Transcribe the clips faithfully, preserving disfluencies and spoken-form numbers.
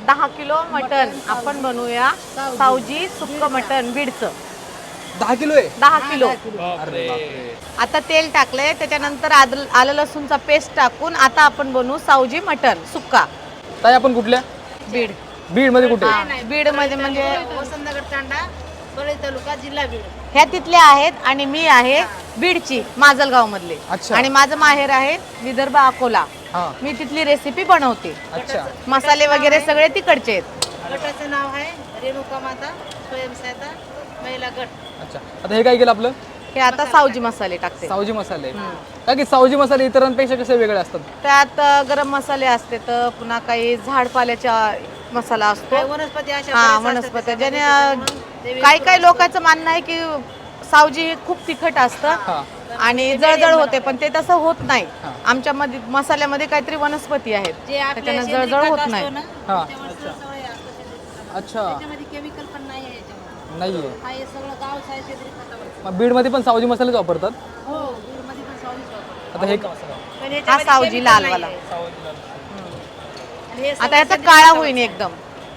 दहा kilo mutton आपण बनवूया सावजी सुक्क मटन बीडचं. दहा किलो आहे. दहा किलो. अरे बापरे. आता तेल टाकलंय, त्याच्यानंतर आदल- आलं लसूणचा पेस्ट टाकून आता आपण बनवू सावजी मटन सुक्का. ताई आपण कुठल्या? बीड. बीड मध्ये कुठे? बीड मध्ये म्हणजे वसंतनगर तांडा, परळी तालुका, जिल्हा बीड. ह्या तिथल्या आहेत आणि मी आहे बीडची, माजलगाव मधले. अच्छा. आणि माझं माहेर आहे विदर्भ अकोला. हा. मी तिथली रेसिपी बनवते. अच्छा. मसाले वगैरे सगळे तिकडचे आहेत. गटाचं नाव आहे रेणुका माता स्वयंसहायता महिला गट. अच्छा. आता हे काय केलं आपलं? हे आता सावजी मसाले टाकते. सावजी मसाले. का की सावजी मसाले इतरांपेक्षा कसे वेगळे असतात? त्यात अ, गरम मसाले असते, तर पुन्हा काही झाडपाल्याचा मसाला असतो. काही वनस्पती अशा हा बऱ्याच वनस्पती असतात ज्याने त्याच्यामुळे अ, काही काही लोकांचं म्हणणं आहे की सावजी खूप तिखट असतं हा. आणि जळजळ होते, पण ते तसं होत नाही. हा. आमच्या मध्ये मसाल्यामध्ये काहीतरी वनस्पती आहेत, जे आपल्या त्याच्यानं सेंद्रिय जळजळ खत होत असतो नाही. ना, हा. त्याच्यावर सगळं हे असतं सेंद्रिय खत. अच्छा. त्याच्यामध्ये केमिकल पण नाही आहे याच्यामध्ये. नाहीये. हा हे सगळं गाव आहे सेंद्रिय खतावर. मग बीड मध्ये पण सावजी मसालेच वापरतात? हो, बीडमध्ये पण सावलीच वापरतात. आता हे पण हा ह्याच्यामध्ये सावजी chemical लालवाला. नाही आहे. आणि हे आता सगळं याचा सेंद्रिय काळा खतावर. होईन एकदम.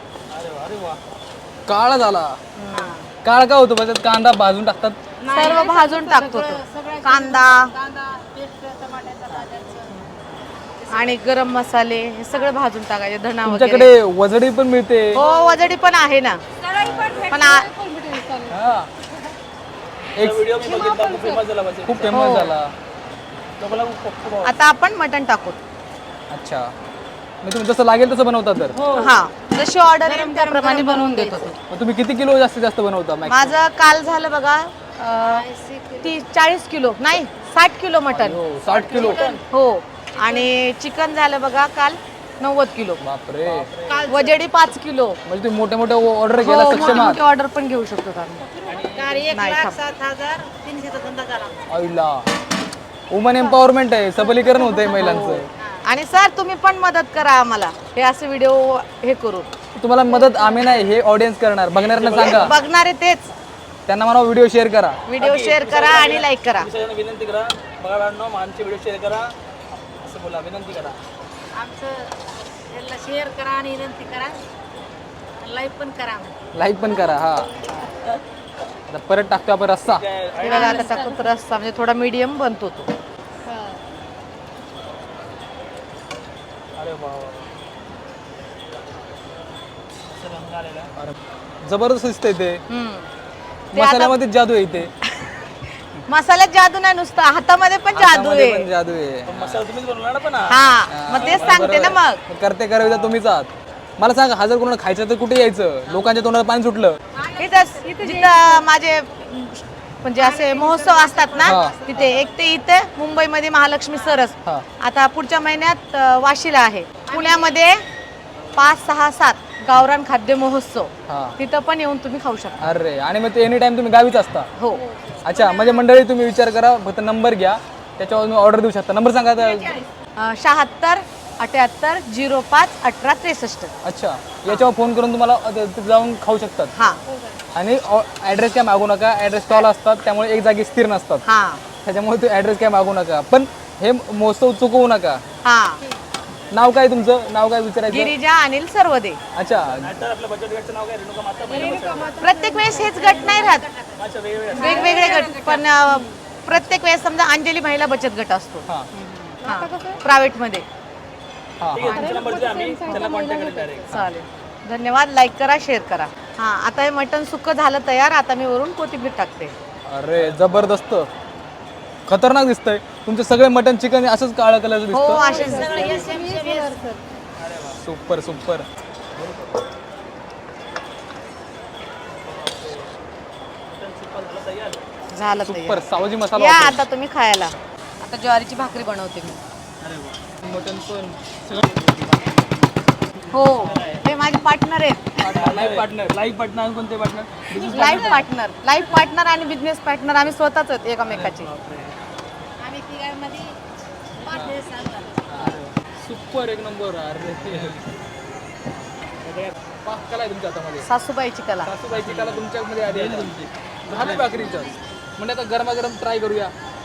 काळा झाला. काळा का होतो? म्हणजे कांदा भाजून टाकतात. नाही, सर्व नाही, भाजून सगळं- टाकतो सगळं- तो. सगळं कांदा कांदा पेस्ट टमाट्याचा भाज्यांचं. आणि गरम मसाले हे सगळं भाजून टाकायचे, धना वगैरे. तुमच्याकडे वजडी पण मिळते. हो वजडी पण आहे ना. पण आ- हा. एक खूप फेमस हो. झाला. आता आपण मटण टाकू. अच्छा. मी तुम्ही जसं लागेल तसं बनवता तर? हा जशी ऑर्डर येईल त्याप्रमाणे बनवून देतो. मग तुम्ही किती किलो जास्तीत जास्त बनवता maximum? माझं काल झालं बघा अ, ती चाळीस किलो नाही साठ किलो मटण. हो, साठ किलो. हो आणि चिकन झालं बघा काल नव्वद किलो. बापरे. वजडी पाच किलो. म्हणजे तुम्ही मोठ्या मोठ्या ऑर्डर हो, घ्यायला मोठी सक्षम आहात. मोठी ऑर्डर पण घेऊ शकतो आम्ही. कार एक नाही, लाख थांब. सात हजार तीनशेचा धंदा झाला. आईला. वुमन एम्पॉवरमेंट आहे, सबलीकरण होतंय महिलांचं. आणि सर तुम्ही पण मदत करा आम्हाला हे असे व्हिडिओ हे करू. तुम्हाला मदत आम्ही नाही, हे ऑडियन्स करणार. बघणाऱ्यांना सांगा, बघणारे तेच त्यांना म्हणा व्हिडिओ शेअर करा. व्हिडिओ शेअर करा आणि लाईक करा. विनंती करा बघा आमचे व्हिडिओ शेअर करा असं बोला, विनंती करा. आमचं याला शेअर करा आणि विनंती करा, लाईक पण करा. लाईक पण करा. हा. आता परत टाकतो आपण रस्सा. हे बघा आता टाकून तर रस्सा म्हणजे थोडा मीडियम बनतो तो. अरे वा वा. असं रंग आलेला आहे. अरे, जबरदस्त दिसतंय ते. हम्म. ते आता मसाल्यामध्ये जादू आहे ते. मसाल्यात जादू नाही, नुसतं हातामध्ये पण जादू हातामध्ये पण आहे. जादू आहे. पण मसाला तुम्हीच बनवला ना पण हा. हा मग तेच सांगते ना मग. मग करते करायला तुम्हीच आहात. मला सांगा, हा जर कोणाला खायचं तर कुठे यायचं? लोकांच्या तोंडाला पाणी सुटलं. इथंच जिथं माझे म्हणजे असे महोत्सव असतात ना हा. तिथे. एक ते इथे मुंबईमध्ये महालक्ष्मी सरस. हा. आता पुढच्या महिन्यात अ, वाशीला आहे. पुण्यामध्ये पाच सहा सात गावरान खाद्य महोत्सव. हा. तिथं पण येऊन तुम्ही खाऊ शकता. अरे, आणि मग ते एनी टाइम तुम्ही गावीच असता? हो. अच्छा, म्हणजे मंडळी तुम्ही विचार करा, फक्त नंबर घ्या, त्याच्यावर तुम्ही ऑर्डर देऊ शकता. नंबर सांगा आता. अ, शहात्तर अठ्याहत्तर झिरो पाच अठरा त्रेसष्ट. अच्छा, याच्यावर फोन करून तुम्हाला अ, तिथे जाऊन खाऊ शकतात. हा आणि ॲड्रेस काय मागू नका. ॲड्रेस स्टॉल असतात, त्यामुळे एक जागी स्थिर नसतात. हा त्याच्यामुळे ते ॲड्रेस काय मागू नका. पण हे महोत्सव चुकवू नका. हा. नाव काय तुमचं? नाव काय विचारायचं? गिरिजा अनिल सर्वदे. अच्छा. तर आपलं बचत गटचं नाव काय? रेणुका माता महिला बचत प्रत्येक वेळेस हेच गट नाही राहत, गट. अच्छा, वेगवेगळे वेगवेगळे गट. पण अ, प्रत्येक वेळेस समजा अंजली महिला बचत गट असतो हां प्रायव्हेट मध्ये. हां ठीक आहे, तुमचा नंबर द्या, आम्ही त्यांना कॉन्टॅक्ट करेल डायरेक्ट. चालेल, धन्यवाद. लाईक करा, शेअर करा. हा आता हे मटण सुक्क झालं तयार. आता मी वरून कोथिंबीर टाकते. अरे जबरदस्त, खतरनाक दिसतंय. तुमचे सगळे मटन चिकन असंच काळा कलरचं हो दिसतं. असेच दिसते. Super super. झालं सुपर तयार. सावजी मसाला या वापरून. आता तुम्ही खायला. आता ज्वारीची भाकरी बनवते मी. मटन पण हो हे माझे पार्टनर आहेत. लाईफ पार्टनर लाईफ पार्टनर कोणते partner? Life partner life partner आणि बिझनेस पार्टनर आम्ही स्वतःच आहेत एकमेकाचे. आम्ही तिघांमध्ये पाच दिवस सांगतो. सुपर एक नंबर. अरे पाक कला आहे तुमच्या हातामध्ये. सासूबाईची कला. सासूबाईची कला तुमच्यामध्ये आली आहे. झाली भाकरीचं म्हणजे आता गरमागरम ट्राय करूया.